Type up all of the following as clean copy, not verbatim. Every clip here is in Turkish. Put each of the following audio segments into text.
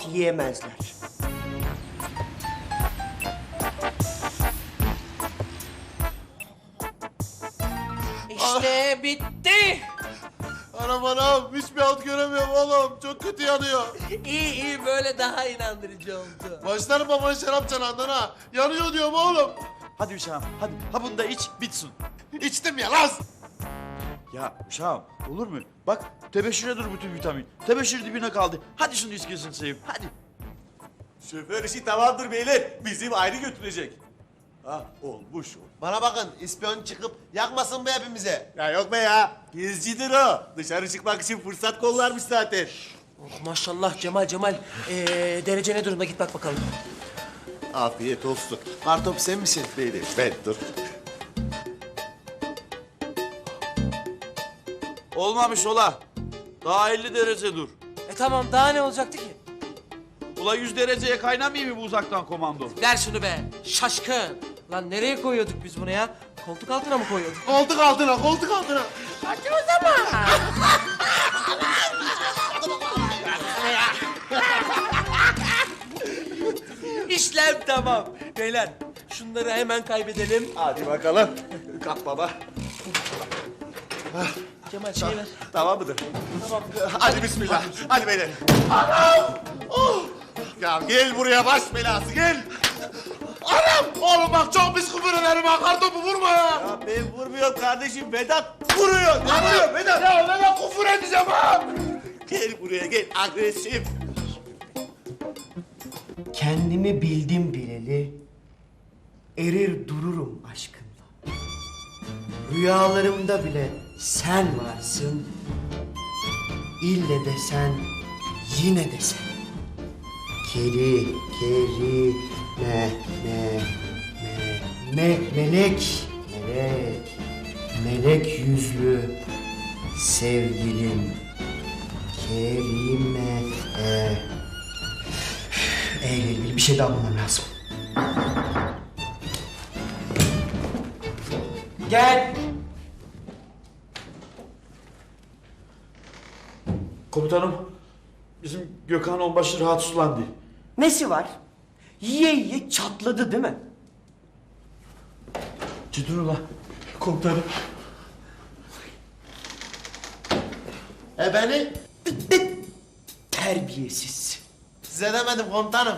halt yiyemezler. İşte bitti. Anam hiçbir alt göremiyorum oğlum. Çok kötü yanıyor. İyi böyle daha inandırıcı oldu. Başlarım babanın şarap çanağından ha. Yanıyor diyorum oğlum. Hadi uşağım hadi. Ha bunu da iç bitsin. İçtim ya lan. Ya uşağım olur mu? Bak tebeşire dur bütün vitamin. Tebeşir dibine kaldı. Hadi şunu içkisin seveyim hadi. Şoför işi tamamdır beyler. Bizim ayrı götürecek. Ha olmuş. Bana bakın ispiyon çıkıp yakmasın be hepimize. Ya yok be ya. Gezcidir o. Dışarı çıkmak için fırsat kollarmış zaten. Oh, maşallah Cemal. Derece ne durumda git bak bakalım. Afiyet olsun. Kartop sen misin? Benim. Ben dur. Olmamış ola. Daha 50 derece dur. Tamam daha ne olacaktı ki? Ula 100 dereceye kaynamayayım mı bu uzaktan komando? Ver şunu be şaşkın. Lan nereye koyuyorduk biz bunu ya? Koltuk altına mı koyuyorduk? Koltuk altına, koltuk altına. Hadi o zaman. İşlem tamam. Beyler şunları hemen kaybedelim. Hadi bakalım. Kalk baba. Cemal şeyi ver. Tamam mıdır? Tamam. Hadi bismillah. Hadi beyler. Anam! Oh! Ya gel buraya baş belası gel. Anam! Oğlum bak çok pis küfür ederim ha. Kartopu vurma ya. Ya ben vurmuyorum kardeşim. Vedat vuruyor. Ne vuruyor Vedat? Ya neden küfür edeceğim ha? Gel buraya gel. Agresif. Kendimi bildim bileli, erir dururum aşkınla. Rüyalarımda bile sen varsın, ille de sen, yine de sen. Melek yüzlü sevgilim, Kerime, ile ilgili bir şey daha bulmam lazım. Gel. Komutanım bizim Gökhan Onbaşı rahatsızlandı. Nesi var? Yiye yiye çatladı değil mi? Ciddi ula. Komutanım. Beni Terbiyesiz. size demedim komutanım.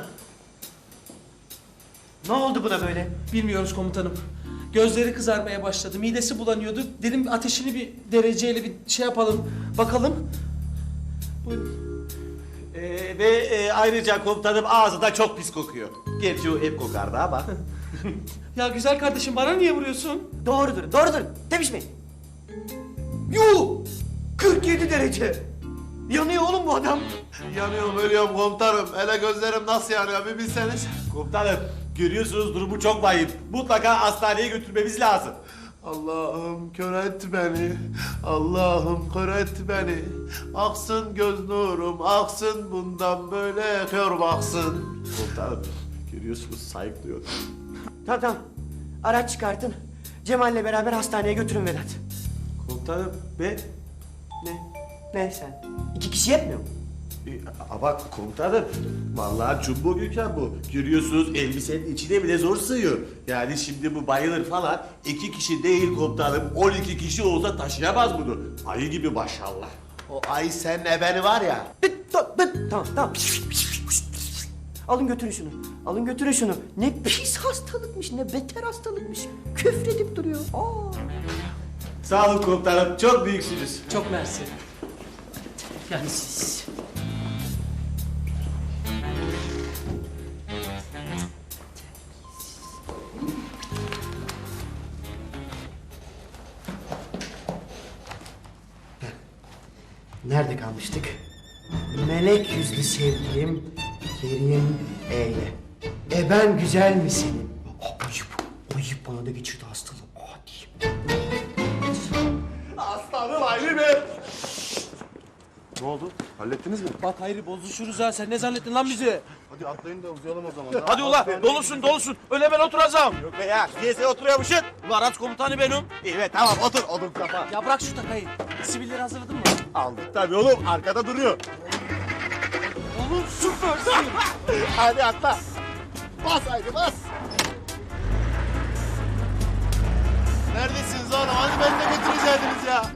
Ne oldu buna böyle? Bilmiyoruz komutanım. Gözleri kızarmaya başladı. Midesi bulanıyordu. Dedim ateşini bir dereceyle bir şey yapalım. Bakalım. Buyurun. Ve ayrıca komutanım ağzı da çok pis kokuyor. Gerçi o hep kokardı ama. Ya güzel kardeşim bana niye vuruyorsun? Doğrudur. Tepişmeyin. Yuh! 47 derece. Yanıyor oğlum bu adam. Yanıyorum ölüyorum komutanım. Hele gözlerim nasıl yanıyor bir bilseniz. Komutanım görüyorsunuz durumu çok vahim. Mutlaka hastaneye götürmemiz lazım. Allah'ım kör et beni. Allah'ım kör et beni. Aksın göz nurum, aksın bundan böyle kör baksın. Komutanım görüyorsunuz sayıklıyor. Tamam. Araç çıkartın. Cemal'le beraber hastaneye götürün Vedat. Komutanım ben... Ne sen? 2 kişi yetmiyor mu? Ama komutanım vallahi jumbo Gökhan bu. Görüyorsunuz elbisenin içine bile zor sığıyor. Yani şimdi bu bayılır falan 2 kişi değil komutanım 12 kişi olsa taşıyamaz bunu. Ayı gibi maşallah. O ay sen ebeni var ya. Tamam. Alın götürün şunu. Ne pis hastalıkmış, ne beter hastalıkmış. Küfredip duruyor. Sağ olun komutanım çok büyüksünüz. Çok mersi. Yani siz... Nerede kalmıştık? Melek yüzlü sevgilim Kerim Eyle. Ben güzel mi senin? Ayıp bana da geçirdi hastalığı. Diyeyim. Aslanım ayrı be. Ne oldu? Hallettiniz mi? Bak Hayri bozuşuruz ha. Sen ne zannettin lan bizi? Hadi atlayın da uzayalım o zaman. Hadi ula dolusun. Öyle ben oturacağım. Yok be ya niyeyse oturuyormuşsun. Ula araç komutanı benim. Evet tamam otur odun kafa. Ya bırak şu takayı. Sivilleri hazırladın mı? Aldık tabii oğlum arkada duruyor. Oğlum süpersin. Hadi atla. Bas haydi bas. Neredesiniz oğlum? Hadi beni de götürecektiniz ya.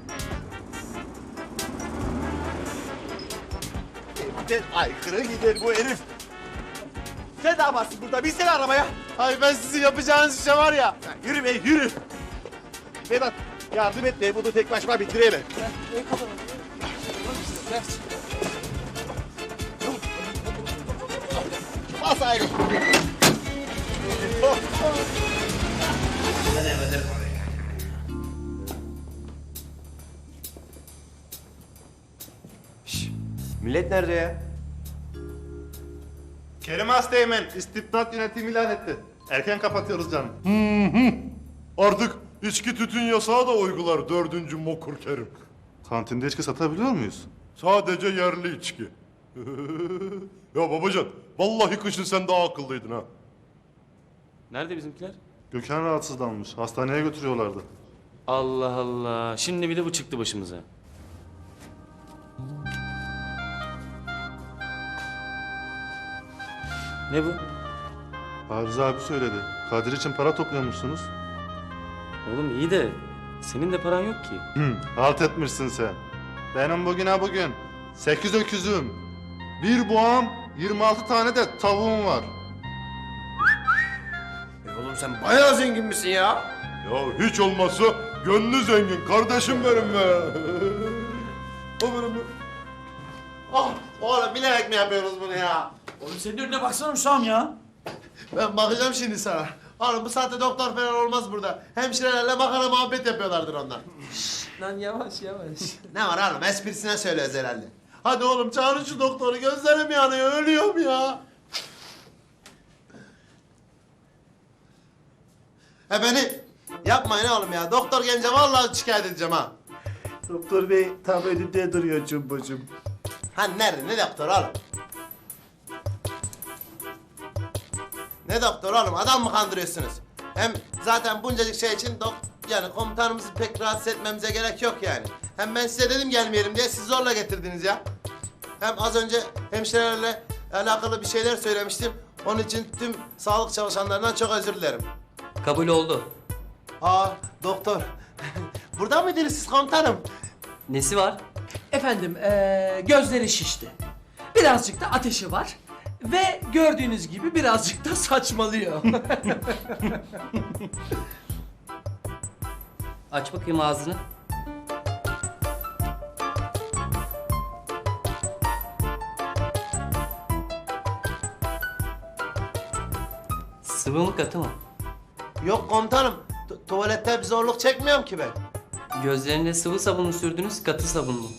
Evden aykırı gider bu herif. Sen ne yaparsın burada? Binsene arabaya. Ay ben sizin yapacağınız işe var ya. Ya yürü be yürü. Vedat yardım et be bunu tek başıma bitireyim. Bas ayrı. Millet nerede ya? Kerim Asteğmen istibdat yönetimi ilan etti. Erken kapatıyoruz canım. Artık içki tütün yasağı da uygular 4. Mokur Kerim. Kantinde içki satabiliyor muyuz? Sadece yerli içki. Ya babacan, vallahi kışın sen daha akıllıydın ha. Nerede bizimkiler? Gökhan rahatsızlanmış. Hastaneye götürüyorlardı. Allah Allah. Şimdi bir de bu çıktı başımıza. Ne bu? Arıza abi söyledi. Kadir için para topluyormuşsunuz. Oğlum iyi de senin de paran yok ki. Halt etmişsin sen. Benim bugün 8 öküzüm, 1 boğam, 26 tane de tavuğum var. Oğlum sen bayağı zengin misin ya? Ya hiç olmazsa gönlü zengin kardeşim benim be. O benim be. Ah oğlum bilerek mi yapıyoruz bunu ya? Oğlum senin önüne baksana Hüsam ya. Ben bakacağım şimdi sana. Oğlum bu saatte doktor falan olmaz burada. Hemşirelerle makara muhabbet yapıyorlardır onlar. Lan yavaş yavaş. Ne var oğlum esprisine söylüyoruz herhalde. Hadi oğlum çağırın şu doktoru gözlerim yanıyor ölüyorum ya. Beni yapmayın oğlum ya. Doktor gelince vallahi şikayet edeceğim ha. Doktor bey tam önünde duruyor Cumbo'cum. Ha nerede? Ne doktor oğlum? Ne doktor oğlum? Adam mı kandırıyorsunuz? Hem zaten buncacık şey için yani komutanımızı pek rahatsız etmemize gerek yok yani. Hem ben size dedim gelmeyelim diye siz zorla getirdiniz ya. Hem az önce hemşirelerle alakalı bir şeyler söylemiştim. Onun için tüm sağlık çalışanlarından çok özür dilerim. Kabul oldu. Aa doktor. Burada mıydınız siz komutanım? Nesi var? Efendim gözleri şişti. Birazcık da ateşi var. Ve gördüğünüz gibi birazcık da saçmalıyor. Aç bakayım ağzını. Sıvı mı katı mı? Yok komutanım. Tuvalette bir zorluk çekmiyorum ki ben. Gözlerine sıvı sabun mu sürdünüz, katı sabun mu?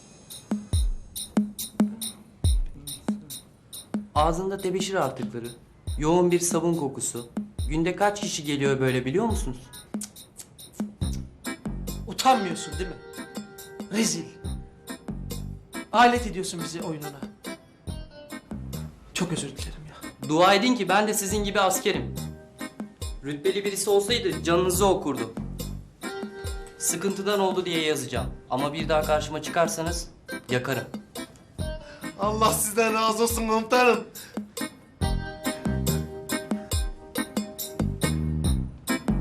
Ağzında tebeşir artıkları, yoğun bir sabun kokusu. Günde kaç kişi geliyor böyle biliyor musunuz? Utanmıyorsun değil mi? Rezil. Alet ediyorsun bizi oyununa. Çok özür dilerim ya. Dua edin ki ben de sizin gibi askerim. Rütbeli birisi olsaydı canınızı okurdu. Sıkıntıdan oldu diye yazacağım. Ama bir daha karşıma çıkarsanız yakarım. Allah sizden razı olsun komutanım.